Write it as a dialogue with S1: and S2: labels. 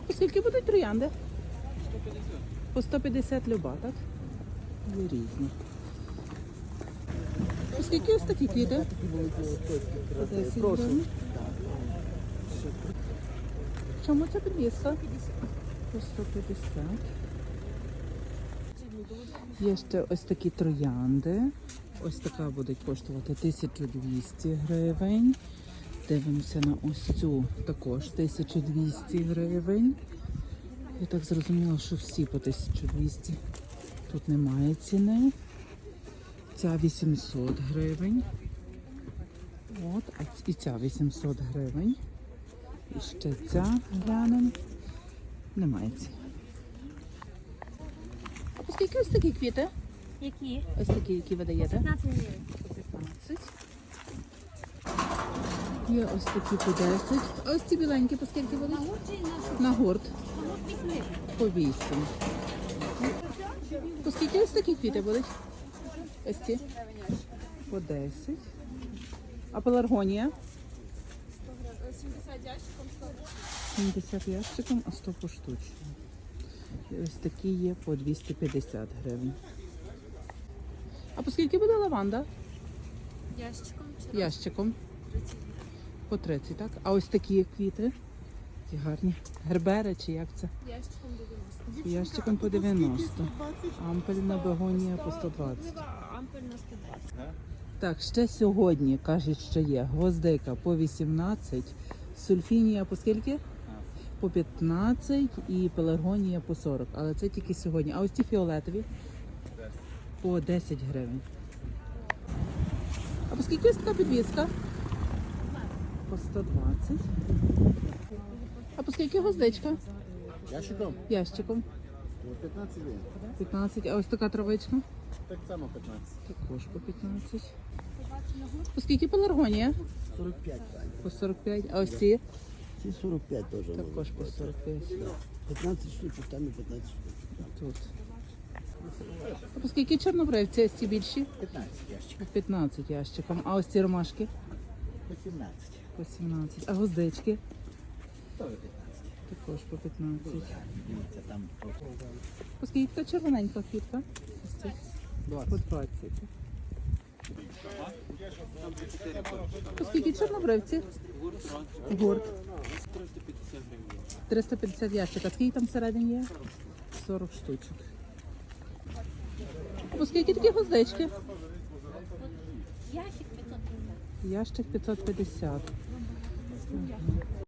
S1: Скільки будуть троянди? По 150 люба, так? Є різні. Скільки ось такі квіти? По 10 гривень. Чому ця підвіска? По 150. Є ще ось такі троянди. Ось така буде коштувати 1200 гривень. Дивимося на ось цю, також 1200 гривень. Я так зрозуміла, що всі по 1200. Тут немає ціни. Ця 800 гривень. От, а і ця 800 гривень. І ще ця глянемо. Немає ціни. А по скільки ось такі квіти?
S2: Які?
S1: Ось такі, які ви даєте?
S2: 15 гривень.
S1: 15. Є ось такі по 10. А ось ці біленькі по скільки будуть? На гурт. По 8. По скільки ось такі квіти будуть? Ось ці? По 10. А пеларгонія?
S2: 70 ящиком 100.
S1: 70 ящиком, а 100 поштучно. І ось такі є по 250 гривень. А по скільки буде лаванда?
S2: Ящиком чи
S1: Ящиком.
S2: 30.
S1: По 30, так? А ось такі квіти? Такі гарні. Гербери чи як це?
S2: Ящиком 90.
S1: Ящиком по 90. Ампельна бегонія по 120.
S2: Ампель на 120.
S1: Так, ще сьогодні, кажуть, що є гвоздика по 18, сульфінія по скільки? По 15 і пеларгонія по 40. Але це тільки сьогодні. А ось ці фіолетові? По 10 гривень. А по скільки ось така підвіска? По 120. А по скільки гвоздичка?
S3: Ящиком?
S1: Ящиком.
S3: 15 гривень.
S1: 15. А ось така травичка?
S3: Так само 15.
S1: Також по 15. По скільки пеларгонія?
S3: 45 правильно.
S1: По 45. А ось ці?
S3: Ці 45 теж.
S1: Також по 45.
S3: 15 штучок, там і 15 штучок.
S1: Тут. А по скільки чорнобривці? Ось ці більші?
S3: 15 ящик.
S1: По 15 ящиком. А ось ці ромашки?
S3: 18.
S1: По 17. А гвоздички?
S3: Теж 15.
S1: Також по 15.
S3: Дивіться, там
S1: По скільки така червоненька квітка? Ось ці?
S3: 20.
S1: По 20. По скільки чорнобривці? Гурт. 350 ящик. А скільки там всередині є? 40 штучок. По скільки такі гвоздички?
S2: Ящик 550.
S1: Ящик 550.